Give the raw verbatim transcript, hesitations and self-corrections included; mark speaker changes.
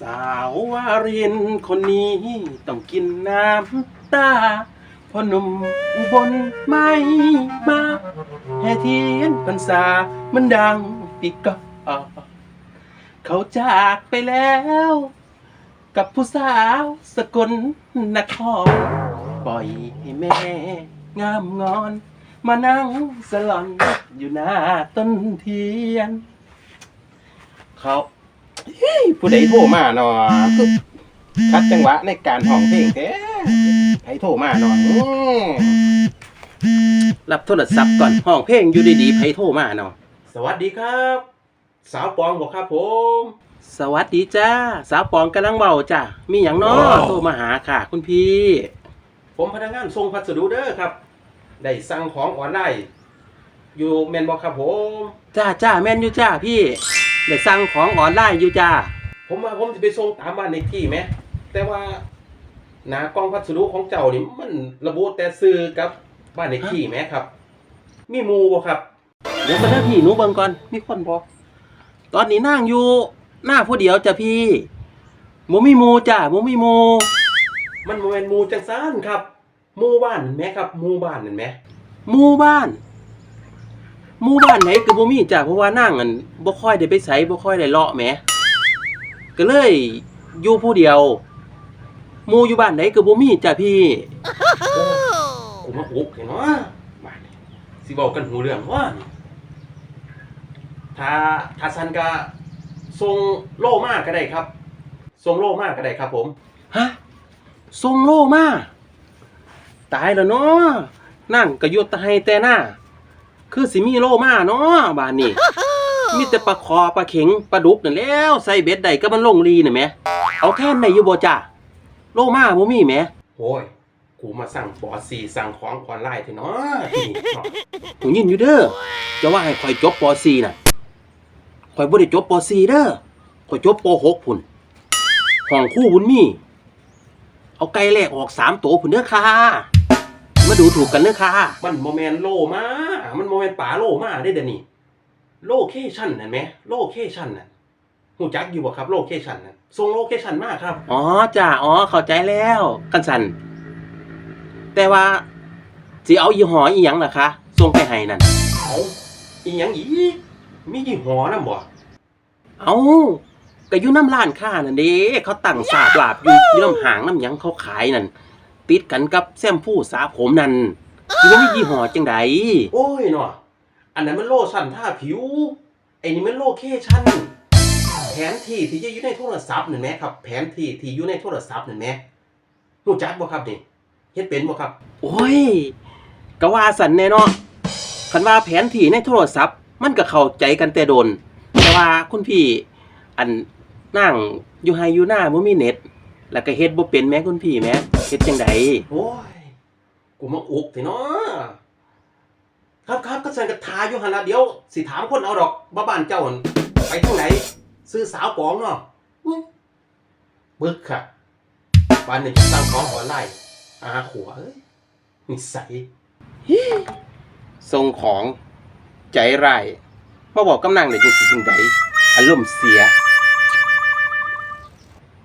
Speaker 1: สาววารินคนนี้ต้องกินน้ำตาพ่อหนุ่มอุบลไม่มาแห่เทียนพรรษามันดังปีกอเขาจากไปแล้ว กับผู้สาวสกลนครปล่อยให้แม่งามงอน มานั่งสลอนอยู่หน้าต้นเทียนเขาผู้ใดโทรมาเนาะคือคัดจังหวะในการห้องเพลงแท้ใครโทรมาเนาะรับโทรศัพท์ก่อนห้องเพลงอยู่ดีๆใครโทรมาเนาะสวัสดีครับ สาวปองบอกครับผมสวัสดีจ้าสาวปองกำลังเบาจ้ามีอย่างน้อโทรมาหาค่ะคุณพี่ผมพนักงานส่งพัสดุเด้อครับได้สั่งของออนไลน์อยู่แมนบอกครับผมจ้าจ้าแมนอยู่จ้าพี่ได้สั่งของออนไลน์อยู่จ้าผมว่าผมจะไปส่งตามบ้านในที่ไหมแต่ว่าหน้ากล่องพัสดุของเจ้านี่มันระบุแต่ซื้อกับบ้านในที่ไหมครับมีหมูบ่ครับเดี๋ยวมาหน้าพี่หนูเบิ่งก่อนมีคนบ่ตอนนี้นั่งอยู่หน้าผู้เดียวจ้ะพี่หมูมีหมูจ้าหมูมีหมูมันโมเมนหมูจังซานครับหมู่บ้านเห็นไหมครับหมู่บ้านเห็นไหมหมู่บ้านหมู่บ้านไหนก็บ่มีจ้ะเพราะว่านั่งอันบ่ค่อยได้ไปไสบ่ค่อยได้เลาะแหมก็เลยอยู่ผู้เดียวหมู่อยู่บ้านไหนก็บ่มีจ้ะพี่กูมาอุกเห็นเนาะบ้านนี้สิเว้ากันหูเรื่องว่าถ้าถ้าซั่นก็ส่งโลมาก็ได้ครับส่งโลมาก็ได้ครับผมฮะส่งโลมาตายแล้วเนาะนั่งก็อยู่แต่ให้แต่หน้าคือสิมีโลมาเนาะบ้านนี้มีแต่ปลาคอปลาเข็งปลาดุกนั่นแล้วใส่เบ็ดได้ก็มันลงรีน่ะแหมเอาแทนได้อยู่บ่จ้ะโลมาบ่มีแหมโอ้ยกูมาสั่งปอสี่สั่งของออนไลน์เถอะเนาะที่นี่เนาะกูยินอยู่เด้อจะว่าให้ข่อยจบปอสี่น่ะข่อยบ่ได้จบปอสี่เด้อข่อยจบปอหกพุ่นห้องครูบุญมีเอาไก่แลกออกสามตัวพุ่นเด้อค่ะมาดูถูกกันเด้อค่ะมันโมเมนโลมามันโมเมนป่าโลมาได้เดี๋ยวนี้โลเคชั่นเห็นไหมโลเคชั่นน่ะหูจักอยู่บ่ครับโลเคชั่นน่ะส่งโลเคชั่นมาครับอ๋อจ้าอ๋อเข้าใจแล้วกันสันแต่ว่าสิเอายี่ห้ออีหยังล่ะคะส่งไปให้นั่นเอาอีหยังอีกมียี่ห้อนำบ่เอาก็อยู่น้ำร้านค้านั่นเด้เขาตั้งสาบลาบอยู่อยู่น้ำหางน้ำหยังเขาขายนั่นติดกันกับแชมพูสระผมนั่นสิว่ามียี่ห้อจังไดโอ้ยเนาะอันนั้นมันโลชั่นทาผิวไอ้นี่มันโลเคชั่นแผนที่ที่จะอยู่ในโทรศัพท์นั่นแหมครับแผนที่ที่อยู่ในโทรศัพท์นั่นแหมรู้จักบ่ครับนี่เฮ็ดเป็นบ่ครับโอ้ยก็ว่าสั่นแน่เนาะคันว่าแผนที่ในโทรศัพท์มันก็เข้าใจกันแต่โดนแต่ว่าคุณพี่อันนั่งอยู่ไฮอยู่หน้าบ่มีเน็ตแล้วก็เฮ็ดบ่เป็นแม่คุณพี่แม่เฮ็ดจังไดโอ้ยกูมาอุกสิเนาะครับครับก็สั่นก็ทาอยู่หั่นล่ะเดี๋ยวสิถามคนเอาดอกว่าบ้านเจ้าหั่นไปทางไหนซื้อสาวปองเนาะบึกค่ะบ้านนี้สั่งของออนไลน์อาขัวเอ้ยนิสัยส่งของใจร้ายมาบอกกำนังได้จังสิจังไดอารมณ์เสีย